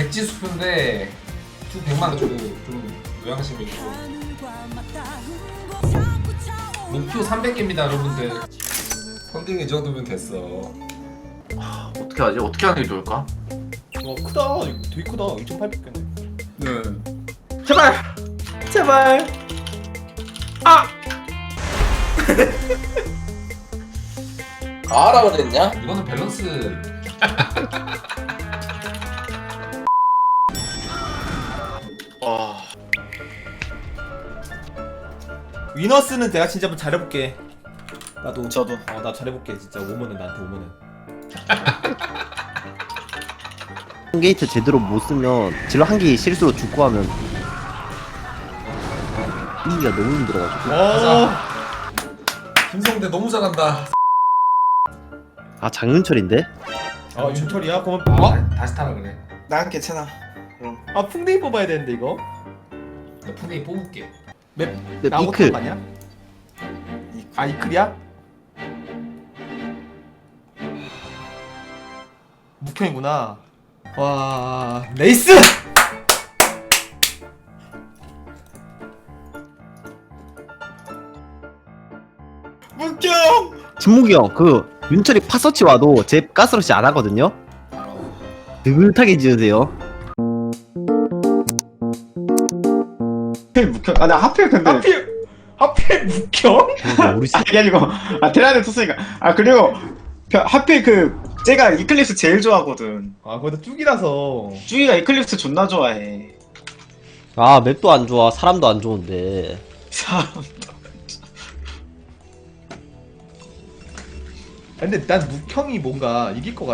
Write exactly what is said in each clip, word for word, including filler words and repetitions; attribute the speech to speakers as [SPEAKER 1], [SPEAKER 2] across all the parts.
[SPEAKER 1] 백지수표인데 두 백만 원 주고 좀 요양심이 있고. 목표 삼백 개입니다 여러분들. 펀딩 이 정도면 됐어.
[SPEAKER 2] 어떻게 하지? 어떻게 하는 게 좋을까?
[SPEAKER 3] 와 크다. 이거 되게 크다. 이천팔백 개네.
[SPEAKER 1] 네.
[SPEAKER 2] 제발! 제발! 아!
[SPEAKER 4] 아라 그랬냐?
[SPEAKER 1] 이거는 밸런스.
[SPEAKER 2] 와...
[SPEAKER 3] 위너스는 내가 진짜 한번 잘해볼게. 나도.
[SPEAKER 4] 저도.
[SPEAKER 3] 어, 나 잘해볼게. 진짜 오면은 나한테 오면은.
[SPEAKER 5] 게이트 제대로 못 쓰면 질러 한 개 실수로 죽고 하면 이기가 너무 힘들어가지고.
[SPEAKER 3] 어.
[SPEAKER 1] 김성대 너무 잘한다.
[SPEAKER 5] 아 장윤철인데?
[SPEAKER 3] 아 윤철이야? 그러면
[SPEAKER 1] 아,
[SPEAKER 3] 어?
[SPEAKER 1] 다- 다시 타라 그래.
[SPEAKER 4] 난 괜찮아. 그럼.
[SPEAKER 3] 아 풍뎅이 뽑아야 되는데 이거.
[SPEAKER 1] 나 푼데이 뽑을게.
[SPEAKER 3] 맵
[SPEAKER 5] 네,
[SPEAKER 3] 나오고
[SPEAKER 5] 이클.
[SPEAKER 3] 거 아니야? 아 이클이야? 묵형이구나. 와 레이스!
[SPEAKER 4] 문경!
[SPEAKER 5] 진목이 형 그 윤철이 파서치 와도 제 가스러시 안 하거든요? 느긋하게 지으세요.
[SPEAKER 6] 하필 묵혀. 아, 나 하필 근데.
[SPEAKER 3] 하필 하필 묵형?
[SPEAKER 5] 우리 씨.
[SPEAKER 6] 아니, 아니고. 아, 테라는 쳤으니까. 아, 그리고. 벼- 하필 그, 제가 이클립스 제일 좋아하거든.
[SPEAKER 3] 아 거기다 쭉이라서.
[SPEAKER 6] 쭈이가 이클립스 존나 좋아해.
[SPEAKER 5] 아 맵도 안 좋아 사람도 안 좋은데.
[SPEAKER 6] 사람도.
[SPEAKER 3] 근데 난 묵형이 뭔가 이길 것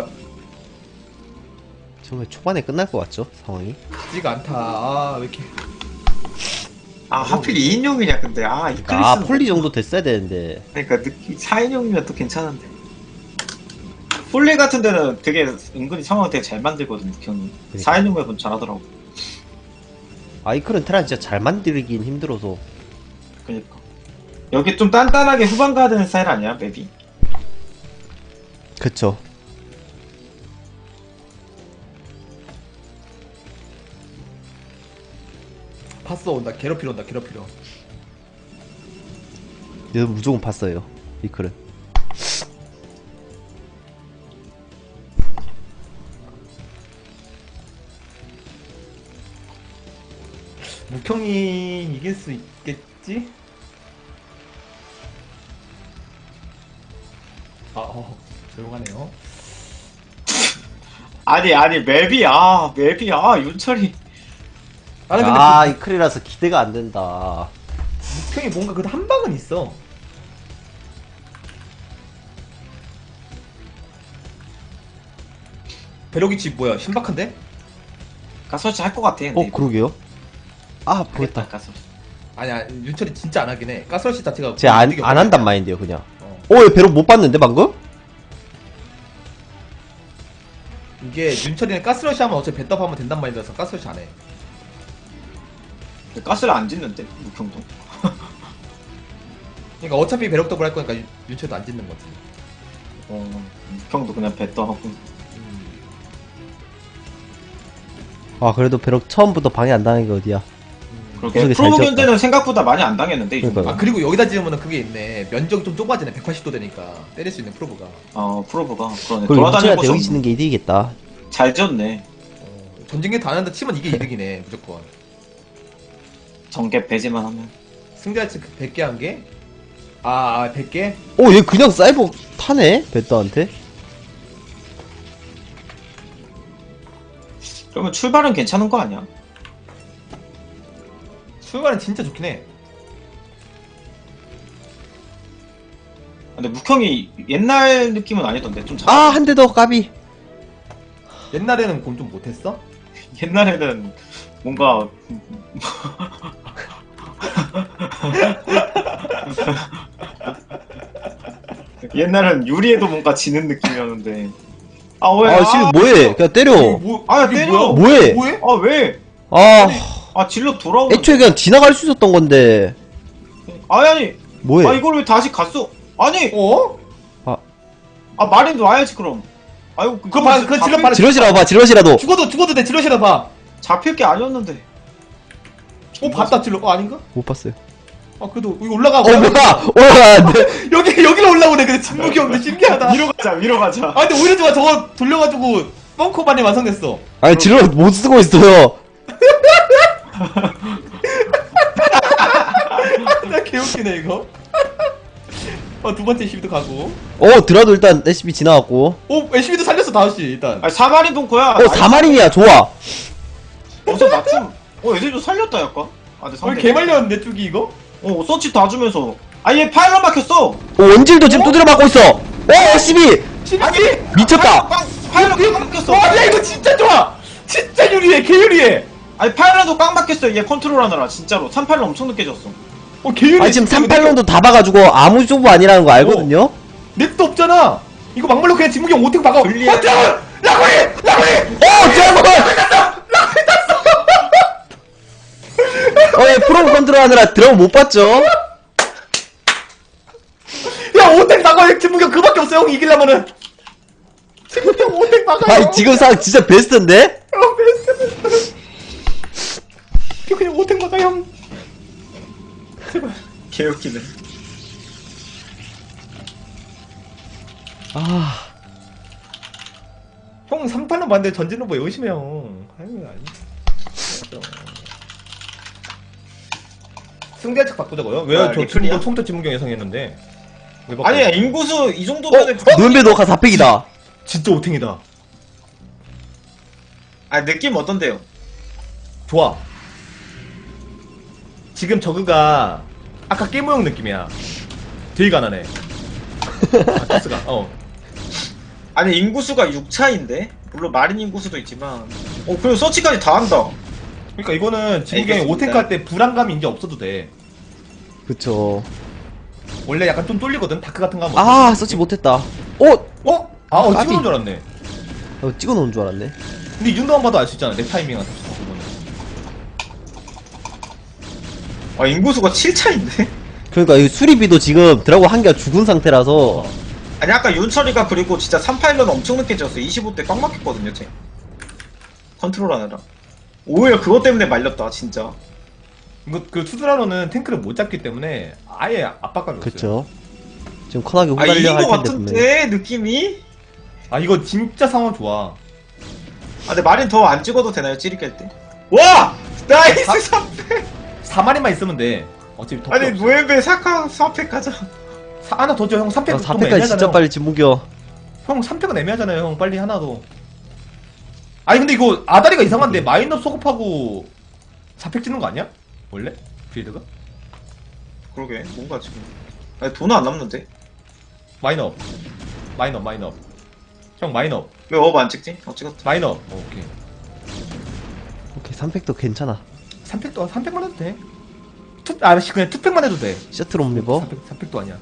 [SPEAKER 5] 정말 초반에 끝날 것 같죠 상황이?
[SPEAKER 3] 같지가 않다. 아 왜 이렇게.
[SPEAKER 6] 아, 하필 이 인용이냐, 근데. 아, 이클립스.
[SPEAKER 5] 아 폴리 정도 됐어야 되는데.
[SPEAKER 6] 그러니까, 느낌, 사 인용이면 또 괜찮은데. 폴리 같은 데는 되게 은근히 상황을 되게 잘 만들거든, 묵형이. 사 인용면 잘하더라고.
[SPEAKER 5] 아이클은 테란 진짜 잘 만들긴 힘들어서.
[SPEAKER 6] 그니까. 여기 좀 단단하게 후반 가야 되는 스타일 아니야, 맵이?
[SPEAKER 5] 그쵸.
[SPEAKER 3] 봤어 온다. 괴롭히러 온다. 괴롭히러.
[SPEAKER 5] 얘도 무조건 봤어요 이클은.
[SPEAKER 3] 묵형이 이길 수 있겠지? 아, 어, 조용하네요.
[SPEAKER 6] 아니, 아니, 맵이, 아, 맵이, 아, 윤철이.
[SPEAKER 3] 아, 근데
[SPEAKER 5] 아 이클이라서 기대가 안 된다.
[SPEAKER 3] 묵형이 뭔가 그래도 한 방은 있어. 베로기치 뭐야? 신박한데?
[SPEAKER 6] 가서치 할 것 같아. 근데
[SPEAKER 5] 어
[SPEAKER 6] 이거.
[SPEAKER 5] 그러게요. 아 보겠다.
[SPEAKER 6] 가서치.
[SPEAKER 3] 아니야, 윤철이 진짜 안 하긴 해. 가스러시 자체가
[SPEAKER 5] 제가 안,
[SPEAKER 3] 되게
[SPEAKER 5] 안 한단
[SPEAKER 3] 어려워.
[SPEAKER 5] 마인드요 그냥.
[SPEAKER 3] 어.
[SPEAKER 5] 어, 얘 배로 못 봤는데 방금?
[SPEAKER 3] 이게 윤철이는 가스러시 하면 어차피 배떡 하면 된단 말이라서 가스러시 안 해.
[SPEAKER 6] 가스를 안 짓는데, 묵형도.
[SPEAKER 3] 그러니까 어차피 배럭 더블 할 거니까 윤- 윤철도 안 짓는 거지.
[SPEAKER 6] 어, 묵형도 그냥 배떠 하고.
[SPEAKER 3] 음.
[SPEAKER 5] 아 그래도 배럭 처음부터 방해 안 당한 게 어디야.
[SPEAKER 6] 그렇게
[SPEAKER 5] 구석이 잘
[SPEAKER 6] 프로브
[SPEAKER 5] 지었다.
[SPEAKER 6] 견제는 생각보다 많이 안 당했는데, 이 정도.
[SPEAKER 5] 그러니까요.
[SPEAKER 3] 아 그리고 여기다 지으면 그게 있네. 면적이 좀 좁아지네. 백팔십 도 되니까 때릴 수 있는 프로브가.
[SPEAKER 6] 어, 프로브가. 그러네.
[SPEAKER 5] 그리고
[SPEAKER 6] 돌아다니는
[SPEAKER 5] 윤철이한테
[SPEAKER 6] 곳이
[SPEAKER 5] 여기
[SPEAKER 6] 없-
[SPEAKER 5] 짓는 게 이득이겠다.
[SPEAKER 6] 잘 지었네.
[SPEAKER 3] 어, 전쟁기 다 하는데 치면 이게 이득이네 무조건.
[SPEAKER 6] 정개 배제만 하면.
[SPEAKER 3] 승자치 백 개 한 개? 아, 아 백 개?
[SPEAKER 5] 오, 얘 그냥 사이버 타네? 베터한테?
[SPEAKER 6] 그러면 출발은 괜찮은 거 아니야?
[SPEAKER 3] 출발은 진짜 좋긴 해.
[SPEAKER 6] 근데 묵형이 옛날 느낌은 아니던데, 좀 잘.
[SPEAKER 5] 아, 한 대 더 까비.
[SPEAKER 3] 옛날에는 그럼 좀 못했어?
[SPEAKER 6] 옛날에는 뭔가. 옛날엔 유리에도 뭔가 지는 느낌이었는데. 아, 왜?
[SPEAKER 5] 아, 지금 뭐해? 그냥 때려.
[SPEAKER 3] 뭐,
[SPEAKER 6] 아,
[SPEAKER 3] 이게
[SPEAKER 6] 때려!
[SPEAKER 5] 뭐해?
[SPEAKER 3] 뭐해?
[SPEAKER 6] 아, 왜?
[SPEAKER 5] 아,
[SPEAKER 6] 아, 질러 돌아오는.
[SPEAKER 5] 애초에 그냥 지나갈 수 있었던 건데.
[SPEAKER 6] 아니, 아니.
[SPEAKER 5] 뭐해?
[SPEAKER 6] 아, 이걸 왜 다시 갔어? 아니!
[SPEAKER 3] 어?
[SPEAKER 6] 아, 마린도 와야지, 그럼. 아이고
[SPEAKER 3] 그거 봐, 그거 질러 봐.
[SPEAKER 5] 지러시라고 봐, 지러시라도.
[SPEAKER 3] 죽어도 죽어도 돼 지러시라 봐.
[SPEAKER 6] 잡힐 게 아니었는데.
[SPEAKER 3] 어 봤다 질러. 어 아닌가?
[SPEAKER 5] 못 봤어요.
[SPEAKER 3] 아 그래도 여기 올라가.
[SPEAKER 5] 어, 뭐야! 올라가는데?
[SPEAKER 3] 여기 여기로 올라오네. 근데 진목이 없네. 신기하다.
[SPEAKER 6] 위로 가자 위로 가자.
[SPEAKER 3] 아 근데 오히려 좋아. 저거 돌려가지고 뻥커반이 완성됐어.
[SPEAKER 5] 아니, 지러 못 쓰고 있어요.
[SPEAKER 3] 나 개웃기네 이거. 어 두 번째 에스씨비도 가고.
[SPEAKER 5] 어, 드라도 일단 에스씨비 지나갔고.
[SPEAKER 3] 오 에스씨비도 살렸어 다섯 시 일단.
[SPEAKER 6] 아니 사마리 동코야.
[SPEAKER 5] 어, 사 마린이야, 좋아.
[SPEAKER 6] 어서 맞춤. 어 애들도 살렸다 약간. 아 근데
[SPEAKER 3] 어
[SPEAKER 6] 상대.
[SPEAKER 3] 개말렸는데 쭈기 이거?
[SPEAKER 6] 어 서치 다 주면서. 아얘 파일럿 막혔어.
[SPEAKER 5] 어, 원질도 지금 두드려 맞고 있어. 어, 에스씨비!
[SPEAKER 3] 아니
[SPEAKER 5] 미쳤다.
[SPEAKER 6] 파일럿 깡 막혔어.
[SPEAKER 3] 와야 이거 진짜 좋아. 진짜 유리해 개유리해.
[SPEAKER 6] 아니 파일럿도 깡 막혔어. 얘 컨트롤하느라 진짜로. 삼팔로 엄청 늦게 졌어.
[SPEAKER 3] 어 개유리해.
[SPEAKER 5] 아, 지금
[SPEAKER 3] 진짜.
[SPEAKER 5] 삼팔론도 다 봐가지고 아무 조부 아니라는 거 알거든요?
[SPEAKER 3] 넷도 없잖아. 이거 막말로 그냥 진묵이 형 오택 박아.
[SPEAKER 6] 불리해.
[SPEAKER 3] 어 드라곤! 라고리! 라고리!
[SPEAKER 5] 어, 드라곤! 어, 얘 프로 컨트롤 하느라 드라곤 못 봤죠?
[SPEAKER 3] 야 오택 박아. 진묵이 형 그밖에 없어 형 이기려면은. 진묵이 형 오택 박아.
[SPEAKER 5] 아니, 지금 상황 진짜 베스트인데?
[SPEAKER 3] 어 베스트 베스트. 이거 그냥 오택 박아 형.
[SPEAKER 6] 개웃기네.
[SPEAKER 5] 아,
[SPEAKER 3] 형 삼 탄은 봤는데 전진 로버 열심히 형. 아유 아니. 승대책 바꾸자고요? 왜요?
[SPEAKER 6] 아,
[SPEAKER 3] 저
[SPEAKER 6] 리플이야?
[SPEAKER 3] 친구 총도 진무경 예상했는데. 왜 바꿔?
[SPEAKER 6] 아니 인구수 이 정도면은.
[SPEAKER 5] 어? 노현배 너가 사팩이다.
[SPEAKER 3] 진짜 오탱이다.
[SPEAKER 6] 아 느낌 어떤데요?
[SPEAKER 3] 좋아. 지금 저그가 아까 깨모형 느낌이야. 되게 가난해. 아, 토스가. 어.
[SPEAKER 6] 아니 인구수가 육 차인데 물론 마린 인구수도 있지만. 어 그리고 서치까지 다 한다.
[SPEAKER 3] 그러니까 이거는 진무경이
[SPEAKER 6] 알겠습니다.
[SPEAKER 3] 오탱크 할 때 불안감이 이제 없어도 돼.
[SPEAKER 5] 그쵸.
[SPEAKER 3] 원래 약간 좀 뚫리거든. 다크 같은 거 하면.
[SPEAKER 5] 아, 서치 못했다. 어?
[SPEAKER 3] 어? 아, 어,
[SPEAKER 5] 까비.
[SPEAKER 3] 찍어놓은 줄 알았네.
[SPEAKER 5] 어, 찍어놓은 줄 알았네.
[SPEAKER 3] 근데 이 정도만 봐도 알 수 있잖아. 내 타이밍은.
[SPEAKER 6] 아 인구수가 칠 차인데?
[SPEAKER 5] 그러니까 이 수리비도 지금 드라곤 한 개가 죽은 상태라서.
[SPEAKER 6] 아니 아까 윤철이가 그리고 진짜 삼 파일럿 엄청 늦게 졌어. 이십오 대 꽉 막혔거든요 쟤. 컨트롤하느라. 오히려 그것 때문에 말렸다 진짜.
[SPEAKER 3] 이거 그 투드라노는 탱크를 못 잡기 때문에 아예 압박감이 없어요.
[SPEAKER 5] 그쵸. 지금 커나게
[SPEAKER 6] 아
[SPEAKER 5] 후달려
[SPEAKER 6] 이긴
[SPEAKER 5] 할
[SPEAKER 6] 거
[SPEAKER 5] 텐데, 분명히.
[SPEAKER 6] 같은데 느낌이?
[SPEAKER 3] 아 이거 진짜 상황 좋아.
[SPEAKER 6] 아 근데 마린 더 안 찍어도 되나요 찌릿 깰 때? 와! 나이스
[SPEAKER 3] 아?
[SPEAKER 6] 삼 패!
[SPEAKER 3] 사 마리만 있으면 돼. 어차피 더
[SPEAKER 6] 아니
[SPEAKER 3] 필요 없어.
[SPEAKER 6] 노엠베 사카 삼 패 가자.
[SPEAKER 3] 사, 하나 더 줘. 형 삼 팩
[SPEAKER 5] 아,
[SPEAKER 3] 좀
[SPEAKER 5] 사 패까지
[SPEAKER 3] 애매하잖아요.
[SPEAKER 5] 진짜 빨리 진무겨.
[SPEAKER 3] 형 삼 팩은 애매하잖아요. 형 빨리 하나 더. 아니 근데 이거 아다리가 이상한데 마인업 소급하고 사 팩 찍는 거 아니야? 원래? 빌드가?
[SPEAKER 6] 그러게 뭔가 지금 아니 돈 안 남는데?
[SPEAKER 3] 마인업. 마인업 마인업. 형 마인업.
[SPEAKER 6] 왜 업 안 찍지? 어 찍었다.
[SPEAKER 3] 마인업. 어, 오케이.
[SPEAKER 5] 오케이, 삼 팩도 괜찮아.
[SPEAKER 3] 삼 팩도 삼 팩만 해도 돼. 투, 아 그냥 투 팩만 해도 돼.
[SPEAKER 5] 셔틀 옴리버.
[SPEAKER 3] 삼 팩, 삼 팩도 아니야.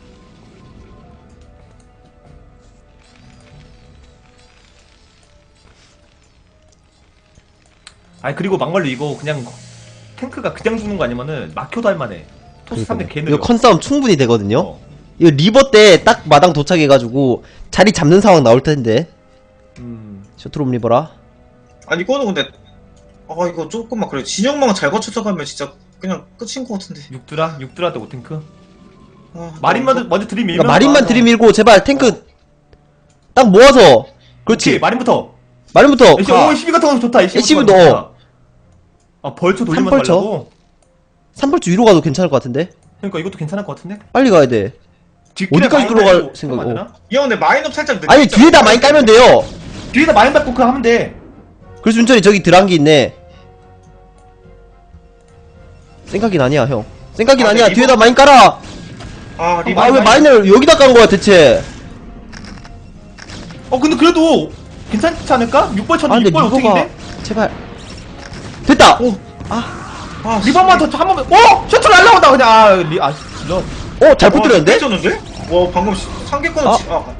[SPEAKER 3] 아니 그리고 막말로 이거 그냥 탱크가 그냥 죽는 거 아니면은 막혀도 할만해. 토스 삼 대 개 느려.
[SPEAKER 5] 이거 컨싸움 충분히 되거든요?
[SPEAKER 3] 어.
[SPEAKER 5] 이거 리버 때 딱 마당 도착해가지고 자리 잡는 상황 나올 텐데.
[SPEAKER 3] 음.
[SPEAKER 5] 셔틀 옴리버라.
[SPEAKER 6] 아니 이거는 근데 아 이거 조금만 그래 진영망 잘 거쳐서 가면 진짜 그냥 끝인 것 같은데.
[SPEAKER 3] 육드라? 육드라 때 오탱크?
[SPEAKER 6] 아,
[SPEAKER 3] 마린만
[SPEAKER 6] 너무-
[SPEAKER 3] 먼저 들이밀면
[SPEAKER 5] 그러니까 마린만
[SPEAKER 3] 아,
[SPEAKER 5] 들이밀고 제발 탱크 딱 모아서.
[SPEAKER 3] 오케이,
[SPEAKER 5] 그렇지.
[SPEAKER 3] 마린부터.
[SPEAKER 5] 마린부터
[SPEAKER 3] 에이씨,
[SPEAKER 5] 가.
[SPEAKER 3] 오, 십이 같은 거 좋다. 에이씨
[SPEAKER 5] 에이씨
[SPEAKER 3] 같은 거
[SPEAKER 5] 도
[SPEAKER 3] 좋다. 아, 벌초 돌리면
[SPEAKER 5] 삼 벌초?
[SPEAKER 3] 말라고?
[SPEAKER 5] 삼벌주 위로 가도 괜찮을 것 같은데?
[SPEAKER 3] 그러니까 이것도 괜찮을 것 같은데?
[SPEAKER 5] 빨리 가야 돼.
[SPEAKER 3] 뒷길에
[SPEAKER 5] 어디까지
[SPEAKER 3] 마인
[SPEAKER 5] 들어갈
[SPEAKER 3] 깔고
[SPEAKER 5] 생각-
[SPEAKER 3] 하면 안 되나?
[SPEAKER 6] 이 형 근데 마인업 살짝 늦게
[SPEAKER 5] 아니
[SPEAKER 6] 했잖아.
[SPEAKER 5] 뒤에다 많이 깔면 돼요.
[SPEAKER 3] 뒤에다 마인 밟고 그거 하면 돼.
[SPEAKER 5] 그래서 윤철이 저기 드란기 있네. 생각이 아니야 형. 생각이
[SPEAKER 6] 아,
[SPEAKER 5] 아니야.
[SPEAKER 6] 근데
[SPEAKER 5] 뒤에다
[SPEAKER 6] 이거-
[SPEAKER 5] 많이 깔아.
[SPEAKER 6] 아 리바
[SPEAKER 5] 아 왜 마인을 여기다 깐 거야 대체?
[SPEAKER 3] 어, 근데 그래도 괜찮지 않을까? 육 번
[SPEAKER 5] 아
[SPEAKER 3] 쳤는데
[SPEAKER 5] 근데
[SPEAKER 3] 육 번
[SPEAKER 5] 리버가
[SPEAKER 3] 오탱인데?
[SPEAKER 5] 제발. 됐다.
[SPEAKER 6] 오. 아
[SPEAKER 3] 리버만 더 한 번만. 어! 셔틀 날라온다 그냥. 아, 리, 아, 질러.
[SPEAKER 5] 어 잘못 들었는데?
[SPEAKER 6] 쳤는데? 와 방금 상계권은
[SPEAKER 5] 아.
[SPEAKER 6] 지- 아.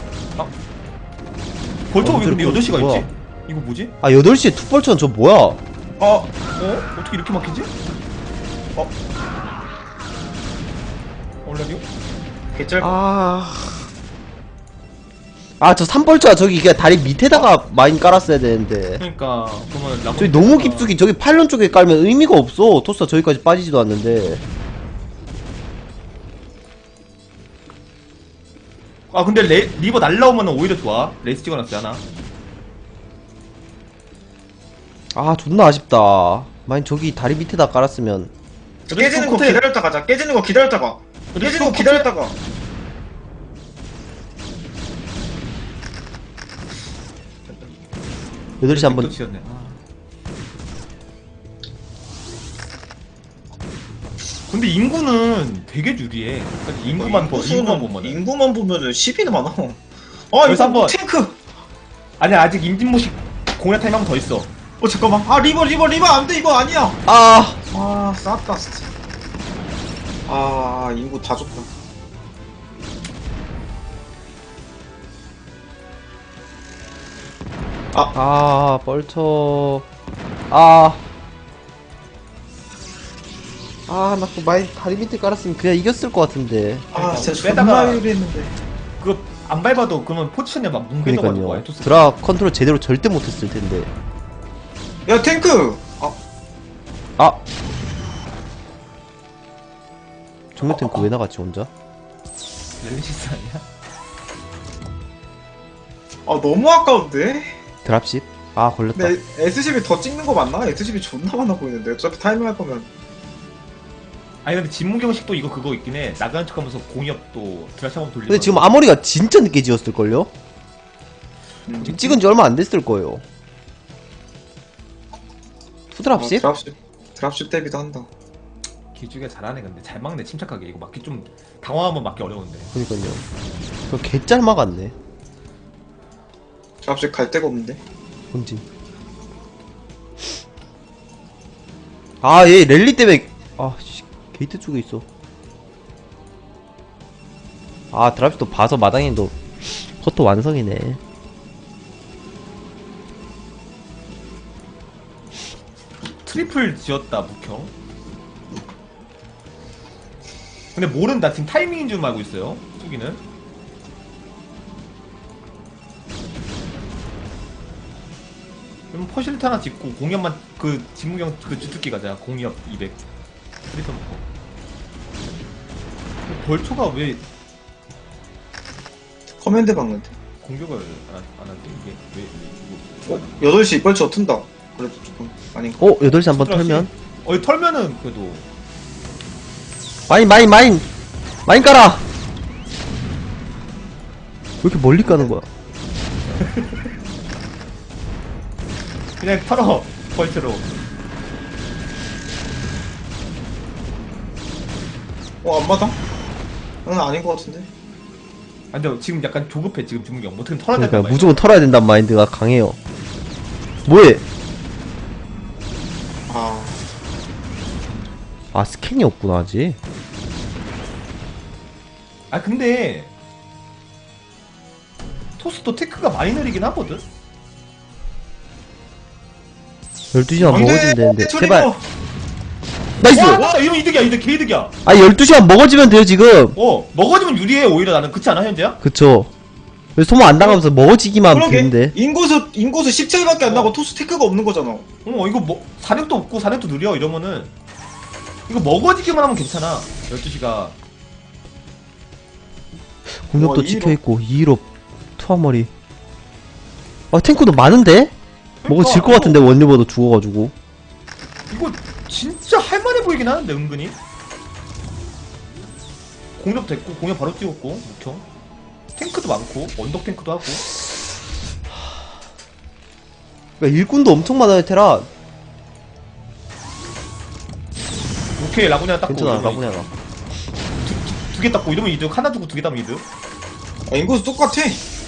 [SPEAKER 3] 벌초가
[SPEAKER 5] 어,
[SPEAKER 3] 왜 근데
[SPEAKER 5] 이거
[SPEAKER 3] 여덟 시가
[SPEAKER 5] 뭐야?
[SPEAKER 3] 있지? 이거 뭐지?
[SPEAKER 5] 아 여덟 시에 툭벌천 저 뭐야?
[SPEAKER 6] 어.
[SPEAKER 3] 어? 어떻게 이렇게 막히지?
[SPEAKER 6] 어.
[SPEAKER 3] 얼라디오?
[SPEAKER 6] 개쩔.
[SPEAKER 5] 아 아 저 삼벌자 저기 그냥 다리 밑에다가 마인 깔았어야 되는데.
[SPEAKER 3] 그러니까 그러면 라군
[SPEAKER 5] 저기 너무 깊숙이 저기 팔런 쪽에 깔면 의미가 없어. 토스가 저기까지 빠지지도 않는데.
[SPEAKER 3] 아 근데 레, 리버 날라오면 오히려 좋아. 레이스 찍어놨어요 하나.
[SPEAKER 5] 아 존나 아쉽다. 마인 저기 다리 밑에다 깔았으면.
[SPEAKER 6] 깨지는 거
[SPEAKER 3] 코트-
[SPEAKER 6] 기다렸다 가자. 깨지는 거 기다렸다가. 깨지는 거
[SPEAKER 3] 코트-
[SPEAKER 6] 기다렸다가.
[SPEAKER 5] 여덟 시
[SPEAKER 3] 또
[SPEAKER 5] 한번.
[SPEAKER 3] 지었네. 아. 근데 인구는 되게 유리해. 그러니까 인구만 보 인구만 보면.
[SPEAKER 6] 인구만 보면은 십이는 많아. 아
[SPEAKER 3] 그래서
[SPEAKER 6] 이거
[SPEAKER 3] 한번-
[SPEAKER 6] 탱크.
[SPEAKER 3] 아니 아직 임진모식 공략 타임 한 번 더 있어.
[SPEAKER 6] 어 잠깐만. 아 리버 리버 리버 안 돼. 이거 아니야.
[SPEAKER 5] 아
[SPEAKER 6] 아 쌌다 진짜. 아 인구 다 줬다.
[SPEAKER 5] 아, 뻘쳐. 아. 아, 나 그 마인 다리 밑에 깔았으면 그냥 이겼을 것 같은데.
[SPEAKER 6] 아 진짜
[SPEAKER 3] 빼다가-
[SPEAKER 6] 존나 유리했는데.
[SPEAKER 3] 그거 안 밟아도 그러면 포지션이 막 뭉개져가지고
[SPEAKER 5] 그러니까요.
[SPEAKER 3] 와요, 토스.
[SPEAKER 5] 드라 컨트롤 제대로 절대 못했을 텐데.
[SPEAKER 6] 야 탱크. 아
[SPEAKER 5] 아. 정면 탱크 왜 나갔지 혼자?
[SPEAKER 3] 렐리시스 아니야?
[SPEAKER 6] 아 너무 아까운데?
[SPEAKER 5] 드랍십? 아 걸렸다.
[SPEAKER 6] 근데 에스십이 더 찍는 거 맞나? 에스십이 존나 많아 보이는데 어차피 타이밍 할 거면
[SPEAKER 3] 아니 근데 진무경식도 이거 그거 있긴 해. 나가는 척하면서 공이업도 드라시 한번 돌리고.
[SPEAKER 5] 근데 지금 아머리가 진짜 늦게 지었을걸요?
[SPEAKER 6] 음.
[SPEAKER 5] 지금 찍은 지 얼마 안 됐을 거예요. 투
[SPEAKER 6] 아,
[SPEAKER 5] 드랍십?
[SPEAKER 6] 드랍십 드랍십 대비도 한다.
[SPEAKER 3] 기주가 잘하네. 근데 잘 막네. 침착하게. 이거 막기 좀 당황하면 막기 어려운데.
[SPEAKER 5] 그니까요. 저 개짤 막았네.
[SPEAKER 6] 드랍십 갈 데가 없는데.
[SPEAKER 5] 본진. 아, 얘 랠리 때문에 아, 씨, 게이트 쪽에 있어. 아, 드랍십도 봐서 마당에도 커터 완성이네.
[SPEAKER 3] 트리플 지었다 묵형. 근데 모른다. 지금 타이밍인 줄 알고 있어요. 뚜기는. 그럼 퍼실트 하나 짓고 공연만 그 진무경 그 주특기 가자. 공이업 이백. 트리플 먹고. 벌초가 왜
[SPEAKER 6] 커맨드 박는데.
[SPEAKER 3] 공격을 안, 안 하지? 이게 왜, 왜 이거
[SPEAKER 6] 어? 여덟 시 이빨치 튼다. 그래도 조금 아닌가?
[SPEAKER 5] 어, 여덟 시 한번 털면.
[SPEAKER 3] 어, 이거 털면은 그래도
[SPEAKER 5] 마인, 마인, 마인! 마인 깔아! 왜 이렇게 멀리 까는 거야?
[SPEAKER 3] 그냥 털어 벌초로.
[SPEAKER 6] 어 안 맞아? 응 아닌 것 같은데.
[SPEAKER 3] 아 근데 지금 약간 조급해 지금 진무경. 어떻게 털어야 될까
[SPEAKER 5] 그러니까 무조건 털어야 된다는 마인드가 강해요. 뭐해?
[SPEAKER 6] 아
[SPEAKER 5] 아, 스캔이 없구나, 아직.
[SPEAKER 3] 아 근데 토스도 테크가 많이 느리긴 하거든.
[SPEAKER 5] 열두 시간
[SPEAKER 6] 안 돼!
[SPEAKER 5] 먹어지면 되는데.
[SPEAKER 6] 트리거!
[SPEAKER 5] 제발. 나이스!
[SPEAKER 3] 와 맞다. 이러면 이득이야. 이득 개이득이야.
[SPEAKER 5] 아, 열두 시간 먹어지면 돼요, 지금.
[SPEAKER 3] 어 먹어지면 유리해. 오히려 나는. 그렇지 않아 현재야?
[SPEAKER 5] 그쵸. 그래서 소모 안 당하면서 먹어지기만
[SPEAKER 6] 그러게
[SPEAKER 5] 되는데.
[SPEAKER 6] 인구수 인구수 십칠밖에 안
[SPEAKER 3] 어.
[SPEAKER 6] 나고 토스 테크가 없는 거잖아.
[SPEAKER 3] 어 이거 뭐 사력도 없고 사력도 느려 이러면은 이거 먹어지기만 하면 괜찮아. 열두 시가
[SPEAKER 5] 공격도
[SPEAKER 6] 와,
[SPEAKER 5] 찍혀있고, 이일업, 투하머리. 아, 탱크도 많은데? 먹어질 것 같은데, 원리버도 죽어가지고.
[SPEAKER 3] 이거 진짜 할만해 보이긴 하는데 은근히. 공격 됐고 공격 바로 찍었고 묵형. 탱크도 많고 언덕 탱크도 하고.
[SPEAKER 5] 그러니까 일꾼도 엄청 많아요, 테라.
[SPEAKER 3] 오케이 라구냐 닦고
[SPEAKER 5] 괜찮아, 라구냐가.
[SPEAKER 3] 두 개 닦고 이러면 이득. 하나 주고 두 개 따면 이득.
[SPEAKER 6] 아, 인구수 똑같아.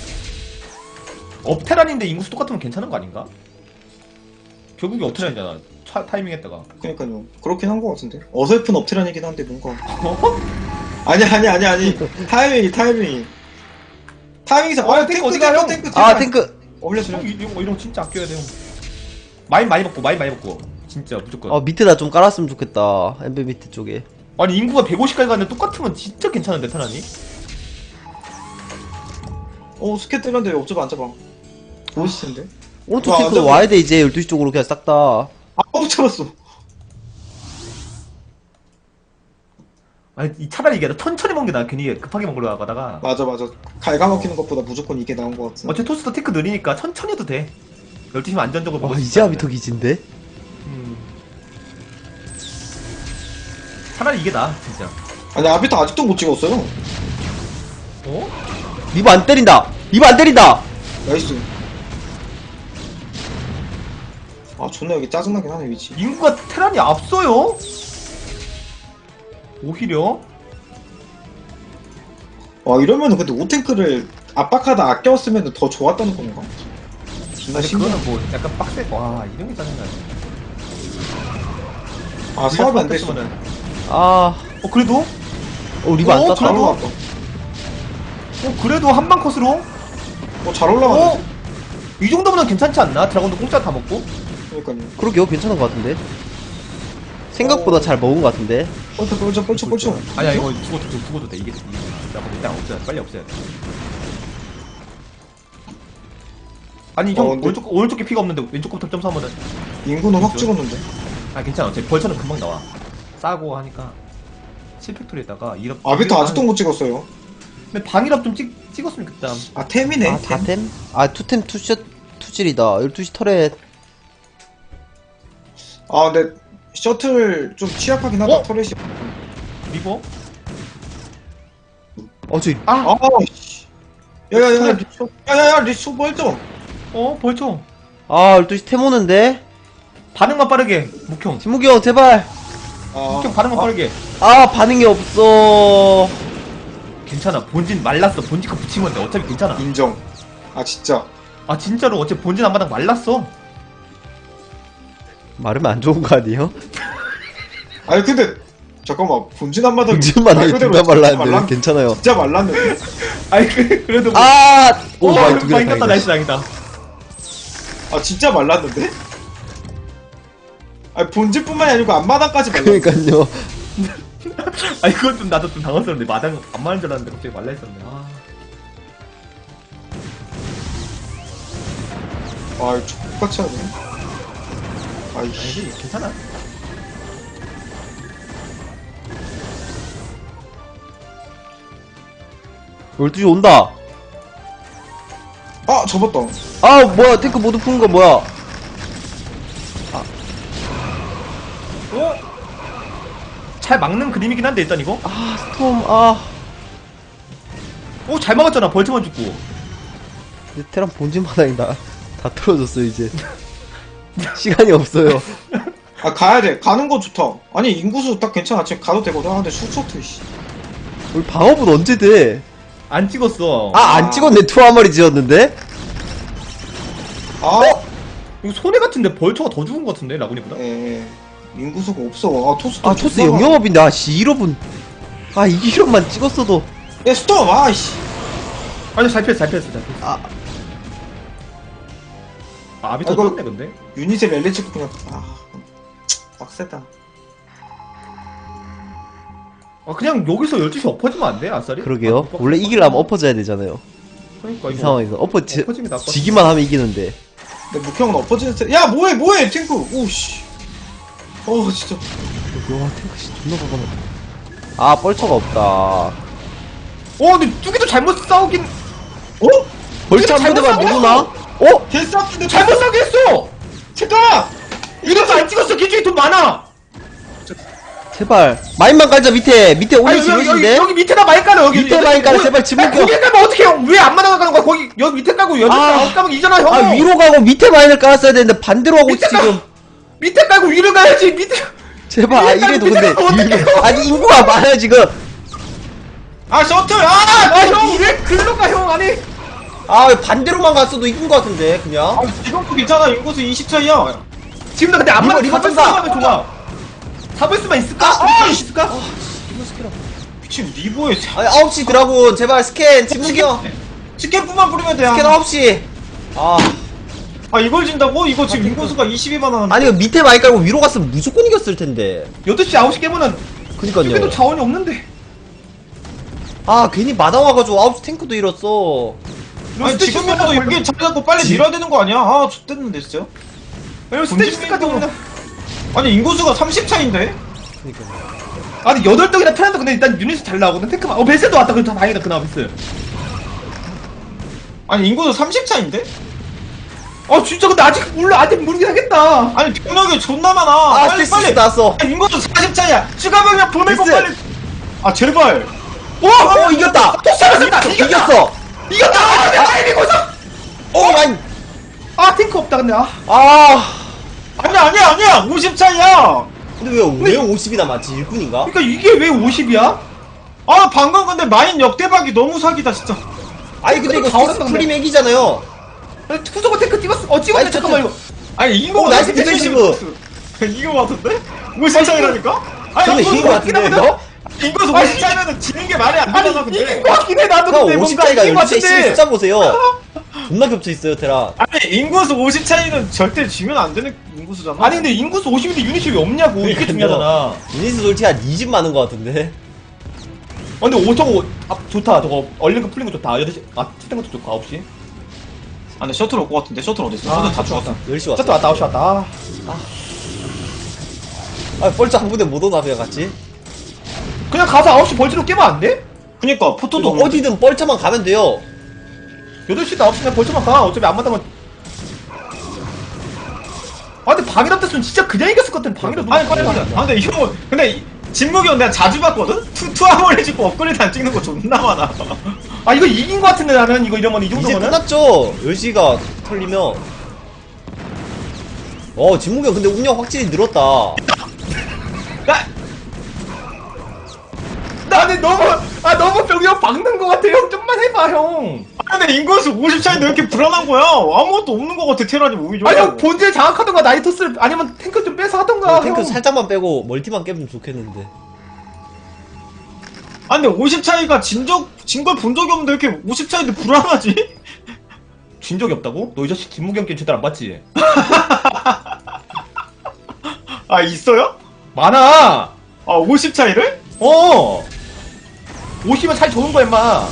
[SPEAKER 3] 업테란인데 인구수 똑같으면 괜찮은 거 아닌가? 결국에 업테란이잖아. 차, 타이밍 했다가.
[SPEAKER 6] 그러니까요. 그렇긴 한 것 같은데. 어설픈 업테란이긴 한데 뭔가.
[SPEAKER 3] 어?
[SPEAKER 6] 아니 아니 아니 아니. 타이밍이 타이밍이. 타이밍상.
[SPEAKER 3] 어,
[SPEAKER 6] 아
[SPEAKER 3] 탱크
[SPEAKER 6] 탱크
[SPEAKER 3] 어디가,
[SPEAKER 6] 탱크
[SPEAKER 3] 형?
[SPEAKER 6] 탱크.
[SPEAKER 5] 아,
[SPEAKER 6] 제발.
[SPEAKER 5] 탱크.
[SPEAKER 6] 올려주려.
[SPEAKER 3] 형 이- 이런 거 이런 거 진짜 아껴야 돼요. 마인 많이 먹고 마인 많이 먹고 진짜 무조건.
[SPEAKER 5] 아, 밑에다 좀 깔았으면 좋겠다. 엠베 밑에 쪽에.
[SPEAKER 3] 아니 인구가 백오십까지 갔는데 똑같으면 진짜 괜찮은데 테란이?
[SPEAKER 6] 어 스캔 뜨는데 옵저버 안 잡아. 멋있을 텐데.
[SPEAKER 5] 오른쪽
[SPEAKER 6] 와,
[SPEAKER 5] 탱크
[SPEAKER 6] 완전-
[SPEAKER 5] 와야 돼 이제 열두 시 쪽으로 그냥 싹 다.
[SPEAKER 6] 아 못 잡았어.
[SPEAKER 3] 아니 이 차라리 이게 천천히 먹는 게 나아. 괜히 급하게 먹으러 가다가.
[SPEAKER 6] 맞아 맞아. 갉아먹히는 것보다 무조건 이게 나온 것 같아.
[SPEAKER 3] 어차피 토스도 테크 느리니까 천천히 해도 돼. 열두 시면 안전적으로
[SPEAKER 5] 와
[SPEAKER 3] 먹을 수
[SPEAKER 5] 이제
[SPEAKER 3] 있다.
[SPEAKER 5] 아비터 기진데?
[SPEAKER 3] 음. 차라리 이게 나아 진짜.
[SPEAKER 6] 아니 아비터 아직도 못 찍었어요.
[SPEAKER 3] 어?
[SPEAKER 5] 리버 안 때린다. 리버 안 때린다.
[SPEAKER 6] 나이스. 아 존나 여기 짜증나긴 하네 위치.
[SPEAKER 3] 인구가 테란이 앞서요? 오히려?
[SPEAKER 6] 와 이러면은 근데 오탱크를 압박하다 아껴왔으면 더 좋았다는 건가? 존나
[SPEAKER 3] 아니
[SPEAKER 6] 신기하네.
[SPEAKER 3] 그거는 뭐 약간 빡세. 와 이런 게 짜증나네.
[SPEAKER 6] 아 사업이 안 됐어.
[SPEAKER 3] 면
[SPEAKER 5] 아,
[SPEAKER 3] 어 그래도?
[SPEAKER 5] 어 리버 안
[SPEAKER 3] 어,
[SPEAKER 5] 땄다.
[SPEAKER 6] 잘
[SPEAKER 3] 그래도?
[SPEAKER 6] 올라왔다.
[SPEAKER 3] 어 그래도 한방 컷으로?
[SPEAKER 6] 어잘 올라왔네.
[SPEAKER 3] 어? 이 정도면 괜찮지 않나? 드라곤도 공짜 다 먹고?
[SPEAKER 6] 그러니까요.
[SPEAKER 5] 그러게요, 괜찮은 것 같은데. 생각보다 잘 먹은 것 같은데.
[SPEAKER 6] 뻘쳐 뻘쳐 뻘쳐 뻘쳐.
[SPEAKER 3] 아니야 이거 죽어도 돼 죽어도 돼 이게 이게 드라곤 일단 없애야 돼 빨리 없애야 돼. 아니 형
[SPEAKER 6] 어, 근데-
[SPEAKER 3] 오른쪽 오른쪽에 피가 없는데 왼쪽 거부터 점수하면은
[SPEAKER 6] 인구는 확
[SPEAKER 3] 그죠?
[SPEAKER 6] 찍었는데.
[SPEAKER 3] 아 괜찮아 어차피 벌처는 금방 나와 싸고 하니까 칠팩토리에다가 이럽
[SPEAKER 6] 아비터 아직도 못 찍었어요.
[SPEAKER 3] 근데 방이랍 좀 찍, 찍었으면 좋겠다.
[SPEAKER 6] 아 템이네.
[SPEAKER 5] 아,
[SPEAKER 6] 템.
[SPEAKER 5] 사템? 아, 투템 투샷 투질이다. 열두 시 터렛.
[SPEAKER 6] 아 근데 셔틀 좀 취약하긴 하다.
[SPEAKER 3] 어?
[SPEAKER 6] 터렛이.
[SPEAKER 3] 리버?
[SPEAKER 5] 어, 저,
[SPEAKER 3] 아!
[SPEAKER 6] 아 씨. 야야야 리쇼. 야야야 리쇼 멀쩡.
[SPEAKER 3] 어 벌처
[SPEAKER 5] 아, 열두 시 템 오는데?
[SPEAKER 3] 반응만 빠르게 묵형
[SPEAKER 5] 지무기 형, 제발.
[SPEAKER 6] 아.
[SPEAKER 3] 묵형 반응만
[SPEAKER 6] 아,
[SPEAKER 3] 빠르게
[SPEAKER 5] 아, 반응이 없어.
[SPEAKER 3] 괜찮아 본진 말랐어 본진 거 붙이면 돼 어차피 괜찮아
[SPEAKER 6] 인정. 아 진짜.
[SPEAKER 3] 아 진짜로 어차피 본진 앞마당 말랐어
[SPEAKER 5] 마르면 안 좋은 거 아니에요?
[SPEAKER 6] 아니 근데 잠깐만 본진 한마당.
[SPEAKER 5] 본진만
[SPEAKER 6] 말
[SPEAKER 5] 하게
[SPEAKER 6] 그대로
[SPEAKER 5] 둘다
[SPEAKER 6] 진짜
[SPEAKER 5] 말랐는데
[SPEAKER 6] 말랐-
[SPEAKER 5] 괜찮아요.
[SPEAKER 6] 진짜 말랐는데.
[SPEAKER 3] 아니 그, 그래도 뭐-
[SPEAKER 5] 아! 오,
[SPEAKER 3] 오
[SPEAKER 5] 많이 두개
[SPEAKER 3] 많이 땄다
[SPEAKER 5] 다행이다.
[SPEAKER 3] 나이스 다행이다
[SPEAKER 6] 아 진짜 말랐는데? 아니 본진뿐만이 아니고 앞마당까지 말랐어.
[SPEAKER 5] 그러니까요.
[SPEAKER 3] 아니 그건 좀 나도 좀 당황스럽네 마당 안 맞는 줄 알았는데 갑자기 말라있었네 아
[SPEAKER 6] 아 이거 족같이 하네.
[SPEAKER 3] 아니
[SPEAKER 6] 아이씨.
[SPEAKER 3] 근데 괜찮아
[SPEAKER 5] 열두 시 온다.
[SPEAKER 6] 아 접었다.
[SPEAKER 5] 아, 뭐야, 탱크 모두 푸는 거 뭐야?
[SPEAKER 3] 어? 잘 막는 그림이긴 한데 일단 이거
[SPEAKER 5] 아, 스톰, 아.
[SPEAKER 3] 오 잘 막았잖아 벌처만 죽고
[SPEAKER 5] 내 테란 본진 바닥이다. 다 틀어졌어요, 이제. 시간이 없어요.
[SPEAKER 6] 아 가야 돼. 가는 거 좋다. 아니 인구수 딱 괜찮아. 지금 가도 되거든. 아 근데 슈퍼트 씨.
[SPEAKER 5] 우리 방어분 언제 돼?
[SPEAKER 3] 안 찍었어
[SPEAKER 5] 아, 안 찍었네. 투 한 마리 지었는데?
[SPEAKER 6] 아.
[SPEAKER 3] 이거 손해 같은데 벌처가 더 죽은 것 같은데 라군이보다
[SPEAKER 6] 예. 인구수가 없어. 아 토스.
[SPEAKER 5] 아, 토스 영영업인데, 아, 씨, 일 호분. 아, 이 힐업만 찍었어도.
[SPEAKER 6] 야 스톱. 아이씨.
[SPEAKER 3] 아니 잘 피했어 잘 피했어 잘 피했어
[SPEAKER 5] 아,
[SPEAKER 3] 아, 아비터
[SPEAKER 6] 아이고.
[SPEAKER 3] 떴네 근데
[SPEAKER 6] 유닛에 멜리 찍고 그냥 아 빡세다.
[SPEAKER 3] 아 그냥 여기서 열두 시 엎어지면 안 돼 아싸리?
[SPEAKER 5] 그러게요.
[SPEAKER 3] 아,
[SPEAKER 5] 원래 이기려면 엎어져야 되잖아요.
[SPEAKER 3] 그러니까
[SPEAKER 5] 이
[SPEAKER 3] 이거
[SPEAKER 5] 상황에서. 엎어, 지,
[SPEAKER 3] 엎어지는 게 낫거든
[SPEAKER 5] 지기만 하면 이기는데.
[SPEAKER 6] 근데 묵형은 엎어지는 스타일. 야 뭐해 뭐해 탱크. 오씨. 어 진짜.
[SPEAKER 5] 와, 탱크 씨 존나 가가네. 아, 뻘처가 없다.
[SPEAKER 3] 어 근데 뚜기도 잘못 싸우긴
[SPEAKER 6] 어?
[SPEAKER 5] 벌처 한
[SPEAKER 6] 잘못
[SPEAKER 5] 부대만
[SPEAKER 6] 싸웠어!
[SPEAKER 5] 누구나? 어?
[SPEAKER 6] 개싸움인데
[SPEAKER 3] 잘못 싸우게 했어!
[SPEAKER 6] 잠깐만.
[SPEAKER 3] 이것도 안 찍었어 기준이 돈 많아
[SPEAKER 5] 제발. 마인만 깔자, 밑에. 밑에
[SPEAKER 3] 아니
[SPEAKER 5] 오늘
[SPEAKER 3] 여기, 여기,
[SPEAKER 5] 지르신데?
[SPEAKER 3] 여기 밑에다 많이 깔아 여기
[SPEAKER 5] 밑에 많이 깔아, 제발 지문경.
[SPEAKER 3] 거기 깔면 어떡해 형 왜 안 맞아가는 거야 거기 여기 밑에 깔고 여기
[SPEAKER 5] 아.
[SPEAKER 3] 아, 까면 이잖아 형
[SPEAKER 5] 아, 위로 가고 밑에 마인을 깔았어야 되는데 반대로 하고 있어,
[SPEAKER 3] 밑에
[SPEAKER 5] 지금.
[SPEAKER 3] 밑에 깔고 위로 가야지 밑에
[SPEAKER 5] 제발. 아,
[SPEAKER 3] 밑에
[SPEAKER 5] 이래도
[SPEAKER 3] 밑에
[SPEAKER 5] 근데.
[SPEAKER 3] 깔면 어떡해요?
[SPEAKER 5] 일- 아니, 인구가 많아요, 지금.
[SPEAKER 6] 아 셔틀. 아.
[SPEAKER 3] 아형 왜 글로 가 형 아니
[SPEAKER 5] 아, 반대로만 갔어도 이긴 것 같은데, 그냥.
[SPEAKER 6] 아 지금도 괜찮아. 인구수 이십 차이야.
[SPEAKER 3] 지금도 근데 안맞아
[SPEAKER 5] 리버, 리버
[SPEAKER 3] 잡을
[SPEAKER 5] 뜬다.
[SPEAKER 3] 수만 좋아 잡을 수만 있을까?
[SPEAKER 6] 아,
[SPEAKER 3] 잡을
[SPEAKER 6] 아,
[SPEAKER 3] 수 있을까?
[SPEAKER 6] 미친 리보에
[SPEAKER 5] 아니, 아홉 시 드라군, 제발, 스캔, 지무기 형.
[SPEAKER 6] 스캔프만 뿌리면 돼.
[SPEAKER 5] 스캔
[SPEAKER 6] 아,
[SPEAKER 5] 아홉 시. 아,
[SPEAKER 6] 아 이걸 진다고? 이거 지금 인구수가 이십이만 하는데.
[SPEAKER 5] 아니, 이거 밑에 많이 깔고 위로 갔으면 무조건 이겼을 텐데.
[SPEAKER 3] 여덟 시 아홉 시 깨면은
[SPEAKER 5] 그니까요.
[SPEAKER 3] 뚜기도 자원이 없는데
[SPEAKER 5] 아, 괜히 마당 와가지고 아홉 시 탱크도 잃었어.
[SPEAKER 6] 아니 지금이라도 여기 자리 잡고 빨리 밀어야 되는 거 아니야? 아 X됐는데 진짜.
[SPEAKER 3] 스테이시까지 오면
[SPEAKER 6] 아니 인구수가 삼십 차인데?
[SPEAKER 3] 아니 여덟 등이나 편한데 근데 일단 유닛이 잘 나오거든. 탱크만 어 베스도 왔다. 그럼 다 다행이다. 그나마 베스.
[SPEAKER 6] 아니 인구수 삼십 차인데?
[SPEAKER 3] 아 진짜 근데 아직 몰라. 아직 모르긴 하겠다.
[SPEAKER 6] 아니 병력이 존나 많아.
[SPEAKER 5] 아
[SPEAKER 6] 빨리
[SPEAKER 5] 스테이시
[SPEAKER 6] 빨리.
[SPEAKER 5] 나왔어.
[SPEAKER 6] 아니, 인구수 사십 차야. 추가 병력 보내고
[SPEAKER 5] 됐어.
[SPEAKER 6] 빨리. 아 제발.
[SPEAKER 3] 오!
[SPEAKER 5] 어 이겼다.
[SPEAKER 3] 또 잡았다. 이겼다.
[SPEAKER 5] 이겼어.
[SPEAKER 3] 이겼다. 아, 내가 이기고서.
[SPEAKER 5] 오 마이.
[SPEAKER 3] 아 탱크 없다 근데 아.
[SPEAKER 5] 아.
[SPEAKER 6] 아니야 아니야 아니야 오십 차이야.
[SPEAKER 5] 근데 왜 왜 오십이 남았지? 일꾼인가?
[SPEAKER 3] 그러니까 이게 왜 오십이야?
[SPEAKER 6] 아 방금 근데 마인 역대박이 너무 사기다 진짜.
[SPEAKER 5] 아니 근데 이거
[SPEAKER 3] 다
[SPEAKER 5] 스테이시
[SPEAKER 3] 어렵다,
[SPEAKER 5] 프리맥이잖아요.
[SPEAKER 3] 후속어 탱크 찍었어. 어 찍었네.
[SPEAKER 5] 아니,
[SPEAKER 3] 잠깐만 이거.
[SPEAKER 6] 아니 이긴 거
[SPEAKER 5] 오, 나이스 디펜시브.
[SPEAKER 6] 이긴 거 같은데? 오십 차이라니까?
[SPEAKER 5] 근데
[SPEAKER 6] 아니
[SPEAKER 5] 이긴 거 같은데 너?
[SPEAKER 6] 인구수
[SPEAKER 3] 아니,
[SPEAKER 6] 오십 차이면은 지는 게 말이 안
[SPEAKER 3] 아니
[SPEAKER 6] 되잖아 근데.
[SPEAKER 3] 이긴 거 같긴 해. 나도
[SPEAKER 5] 형
[SPEAKER 3] 근데
[SPEAKER 5] 오십
[SPEAKER 3] 뭔가
[SPEAKER 5] 차이가
[SPEAKER 3] 이긴 거
[SPEAKER 5] 열두 시
[SPEAKER 3] 같은데.
[SPEAKER 5] 숫자 보세요. 존나 겹쳐 있어요 테라.
[SPEAKER 6] 아니 인구수 오십 차이는 절대 지면 안 되는 인구수잖아.
[SPEAKER 3] 아니 근데 인구수 오십인데 유닛이 왜 없냐고. 이게
[SPEAKER 5] 그러니까요.
[SPEAKER 3] 중요하잖아.
[SPEAKER 5] 유니스 솔직히 한 이십 많은 거 같은데.
[SPEAKER 3] 어, 근데 오 저거 아, 좋다. 저거 얼린 거 풀린 거 좋다. 여덟 시 아 치는 것도 좋고 아홉 시.
[SPEAKER 6] 아 근데 셔틀 올 것 같은데 셔틀 어딨어? 셔틀 다 죽었어.
[SPEAKER 5] 열 시 왔어.
[SPEAKER 3] 셔틀 왔다 아홉 시 왔다. 아.
[SPEAKER 5] 아 벌써 한 군데 못 오나 그냥 같이?
[SPEAKER 3] 그냥 가서 아홉 시 벌지로 깨면 안 돼?
[SPEAKER 6] 그니까 포토도
[SPEAKER 5] 이거
[SPEAKER 6] 없는데.
[SPEAKER 5] 어디든 뻘차만 가면 돼요.
[SPEAKER 3] 여덟 시나 아홉 시나 벌초만 가. 어차피 안 맞다면. 아 근데 방이랍 됐으면 진짜 그냥 이겼을 것 같은. 방이랍
[SPEAKER 6] 아니 빨리 가자. 아 근데 이거 근데 이- 진목이 형 내가 자주 봤거든? 투, 투아몰리 찍고 업그레이드 안 찍는 거 존나 많아.
[SPEAKER 3] 아 이거 이긴 것 같은데 나는 이거 이러면 이
[SPEAKER 5] 이제
[SPEAKER 3] 정도면은.
[SPEAKER 5] 끝났죠. 열 시가 털리면. 어 진무경 근데 운영 확실히 늘었다.
[SPEAKER 6] 야!
[SPEAKER 3] 나는 너무 아 너무 병력 박는 것 같아. 형 좀만 해봐 형.
[SPEAKER 6] 아 근데 인구수 오십 차인데 왜 이렇게 불안한 거야? 아무것도 없는 거 같아 테란이 오히려.
[SPEAKER 3] 아니 형 본질 장악하던가 나이토스를 아니면 탱크 좀 빼서 하던가.
[SPEAKER 5] 탱크
[SPEAKER 3] 형.
[SPEAKER 5] 살짝만 빼고 멀티만 깨면 좋겠는데.
[SPEAKER 6] 아 근데 오십 차이가 진적 진 걸 본 적이 없는데 왜 이렇게 오십 차인데 불안하지?
[SPEAKER 3] 진 적이 없다고? 너 이 자식 진무경 게임 제대로 안 봤지?
[SPEAKER 6] 아 있어요?
[SPEAKER 3] 많아.
[SPEAKER 6] 아 오십 차이를?
[SPEAKER 3] 어. 오시면 잘 좋은 거야 임마.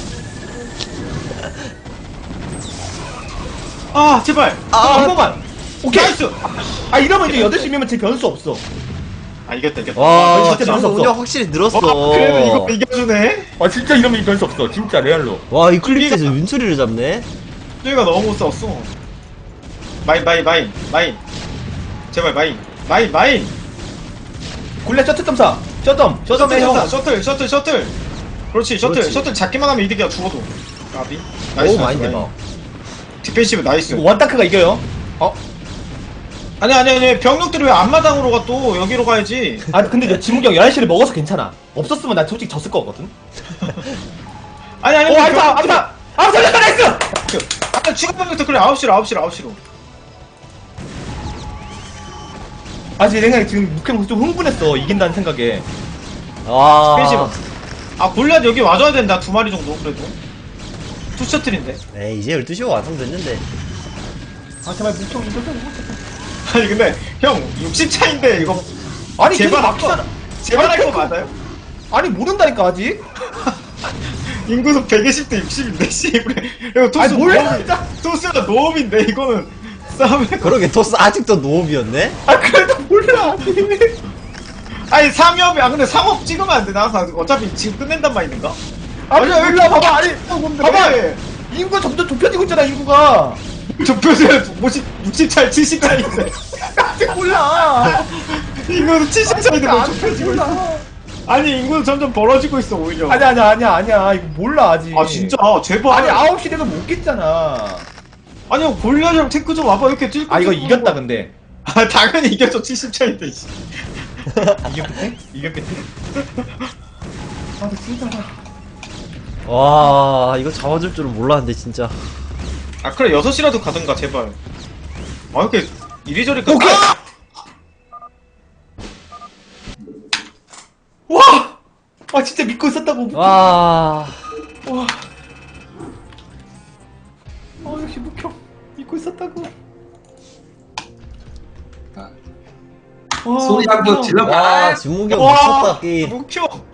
[SPEAKER 6] 아 제발.
[SPEAKER 3] 아, 한 번만. 오케이.
[SPEAKER 6] 나이스.
[SPEAKER 3] 아 이러면 이제 여덟 시면 제 변수 없어.
[SPEAKER 6] 아 이겼다 이겼다.
[SPEAKER 5] 와
[SPEAKER 3] 진짜
[SPEAKER 5] 진무
[SPEAKER 3] 재밌었어.
[SPEAKER 5] 운영 확실히 늘었어.
[SPEAKER 6] 어, 그래도 이거 이겨주네.
[SPEAKER 3] 아 진짜 이러면 변수 없어. 진짜 레알로.
[SPEAKER 5] 와 이클립스에서 윤소리를 잡네.
[SPEAKER 6] 저희가 너무 못 싸웠어. 마인 마인 마인 마인. 제발 마인 마인 마인.
[SPEAKER 3] 굴레 셔틀 점사. 셔점.
[SPEAKER 6] 셔틀
[SPEAKER 3] 셔점에 형.
[SPEAKER 6] 셔틀 셔틀 셔틀 셔틀. 그렇지 셔틀
[SPEAKER 5] 그렇지.
[SPEAKER 6] 셔틀 잡기만 하면 이득이야 죽어도. 나비.
[SPEAKER 5] 오 많이 대박.
[SPEAKER 6] 디펜시브 나이스.
[SPEAKER 3] 이거 원타크가 이겨요. 어?
[SPEAKER 6] 아니 아니 아니 병력들이 왜 앞마당으로 가 또 여기로 가야지.
[SPEAKER 3] 아 근데 저 지무경 열한 시를 먹어서 괜찮아. 없었으면 나 솔직히 졌을 거거든.
[SPEAKER 6] 아니 아니.
[SPEAKER 3] 오
[SPEAKER 6] 병력들이-
[SPEAKER 3] 알타 알타. 아 살렸다 나이스.
[SPEAKER 6] 아 추가 병력들 그래 아홉 시로 아홉 시로 아홉 시로.
[SPEAKER 3] 아 제 생각에 지금 묵형 좀 흥분했어. 이긴다는 생각에.
[SPEAKER 5] 아.
[SPEAKER 6] 디펜시브. 아 골리앗 여기 와줘야 된다 두 마리 정도 그래도. 투 셔틀인데.
[SPEAKER 5] 에이 이제 열두 시가 완성됐는데.
[SPEAKER 3] 아 제발 묵형 이거 좀.
[SPEAKER 6] 아니 근데 형 육십 차인데 이거
[SPEAKER 3] 아니
[SPEAKER 6] 제발
[SPEAKER 3] 제발
[SPEAKER 6] 할 거-
[SPEAKER 3] 막히잖아.
[SPEAKER 6] 제발 할
[SPEAKER 3] 아니,
[SPEAKER 6] 거 맞아요?
[SPEAKER 3] 아니 모른다니까 아직.
[SPEAKER 6] 인구수 백이십 대 육십인데 씨 그래. 이거 토스
[SPEAKER 3] 아니 몰라
[SPEAKER 6] 노-
[SPEAKER 3] 진짜.
[SPEAKER 6] 토스가 노음인데 이거는 싸움에
[SPEAKER 5] 그러게 토스 아직도 노업이었네.
[SPEAKER 3] 아 그래도 몰라 아직.
[SPEAKER 6] 아니 삼업이 아 근데 삼업 찍으면 안 돼. 나 어차피 지금 끝낸단 말인가?
[SPEAKER 3] 아니
[SPEAKER 6] 아니, 왜
[SPEAKER 3] 몰라
[SPEAKER 6] 이렇게
[SPEAKER 3] 봐봐 아니 봐봐
[SPEAKER 6] 봐봐.
[SPEAKER 3] 인구가 점점 좁혀지고 있잖아 인구가.
[SPEAKER 6] 좁혀져야 오십 육십 차이 칠십 차이인데
[SPEAKER 3] 아직 몰라.
[SPEAKER 6] 인구는 칠십 차이인데 뭐
[SPEAKER 3] 아직
[SPEAKER 6] 좁혀지고 있어.
[SPEAKER 3] 몰라.
[SPEAKER 6] 아니 인구는 점점 벌어지고 있어 오히려.
[SPEAKER 3] 아니야 아니야 아니야 아니야 이거 몰라 아직.
[SPEAKER 6] 아 진짜 제발.
[SPEAKER 3] 아니 아홉 시 되면 못 깼잖아.
[SPEAKER 6] 아니 형 골리앗이랑 탱크 좀 와봐 이렇게 뛸.
[SPEAKER 3] 아 이거 이겼다 근데.
[SPEAKER 6] 아 당연히 이겼죠 칠십 차인데. 씨.
[SPEAKER 3] 이겼겠지? 이겼겠지? 아 근데 진짜.
[SPEAKER 5] 와 이거 잡아줄 줄은 몰랐는데 진짜.
[SPEAKER 6] 아 그래 여섯 시라도 가든가 제발. 아 이렇게 이리저리 가.
[SPEAKER 3] 오케이.
[SPEAKER 6] 아!
[SPEAKER 3] 와! 아 진짜 믿고 있었다고.
[SPEAKER 5] 와.
[SPEAKER 3] 와. 어 역시 묵형 믿고 있었다고. 와,
[SPEAKER 1] 소리 한번
[SPEAKER 3] 묵형.
[SPEAKER 1] 질러봐.
[SPEAKER 5] 와 진무경
[SPEAKER 6] 와
[SPEAKER 5] 미쳤다 게임.
[SPEAKER 6] 목표.